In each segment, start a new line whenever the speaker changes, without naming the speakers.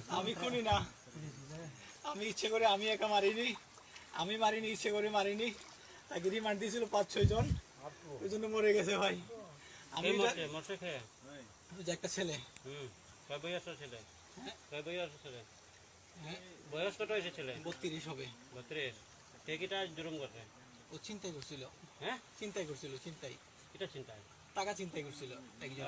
আমি খুনি না, আমি ইচ্ছে করে আমি একা মারিনি, আমি মারিনি, ইচ্ছে করে মারিনি। তাকে রিমান্ড দিয়েছিল 5-6 জন, ওই জন্য মরে গেছে ভাই। আমি যে একটা ছেলে,
বয়স কত হয়েছে ছেলে?
32 হবে।
32। সে কিটা জুলুম করছে?
ও চিন্তাই করছিল।
হ্যাঁ,
চিন্তাই করছিল, চিন্তাই,
কিটা চিন্তায়?
টাকা চিন্তাই করছিল একজন।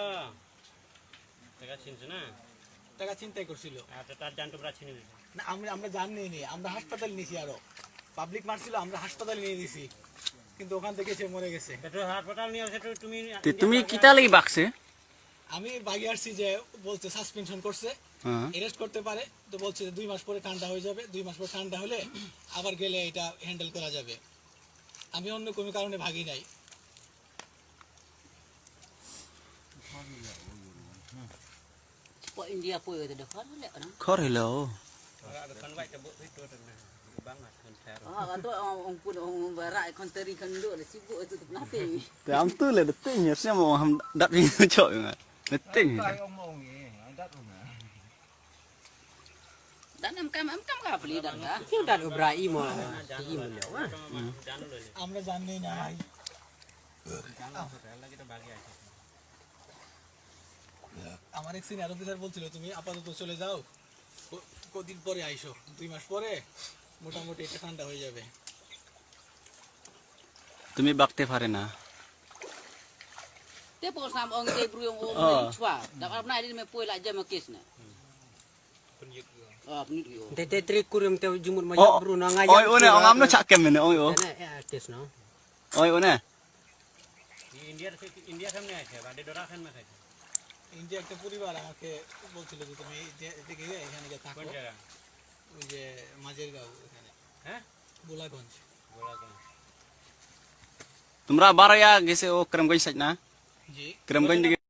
টাকা চিনছে না?
টাকা চিন্তাই করছিল।
আচ্ছা, তার জান টুকরা ছিনে দিছে
না, আমরা জান নিইনি, আমরা হাসপাতালে নিয়েছি। আরো পাবলিক মারছিল, আমরা হাসপাতালে নিয়ে দিছি, কিন্তু ওখান থেকে সে মরে গেছে।
হাসপাতাল নিয়ে আসে তুমি?
তুমি কিতা লাগি বাকছে?
আমি বাগি আসছি যে বলছে সাসপেনশন করছে, অ্যারেস্ট করতে পারে, তো বলছে যে 2 মাস পরে ঠান্ডা হয়ে যাবে, 2 মাস পরে ঠান্ডা হলে আবার গেলে এটা হ্যান্ডেল করা যাবে। আমি অন্য কোনো কারণে ভাগি নাই।
India pun ada dekat lek kan.
খর হইল
Kan tu orang pun orang barat konteri kan duk dah sibuk tu nothing.
te am tu le de ting ya sem ham dat ni choi nga de ting
Dan am kam ka beli dah dah.
Kau dah berai mah. Tinggi mana?
আমরা জানি না ভাই। আমার এক senior officer বলছিল তুমি আপাতত চলে যাও, কদিন পরে আইসো, 2 মাস পরে মোটামুটি এটা ঠান্ডা হয়ে যাবে।
তুমি বাকতে পারে না।
Te pun sam orang ke bru orang chua. Dak apa ni me poi la jam kes na. Penit yo.
Tete trik kurim te jumur majak bru na ngajak.
Oi one ong am no chakem ne oi o
Artis no.
oi one
India সামনে আছে বাড়ি ডোরা খান মাথায়।
India একটা পরিবার আমাকে বলছিল যে তুমি এদিকে এখানে গিয়ে থাকো।
কোন জায়গা?
ওই যে মাঝের গাঁও এখানে।
হ্যাঁ,
গোলাগঞ্জ।
তোমরা বারয়া গেছে ও করমগঞ্জ সাইড না?
জি।
করমগঞ্জ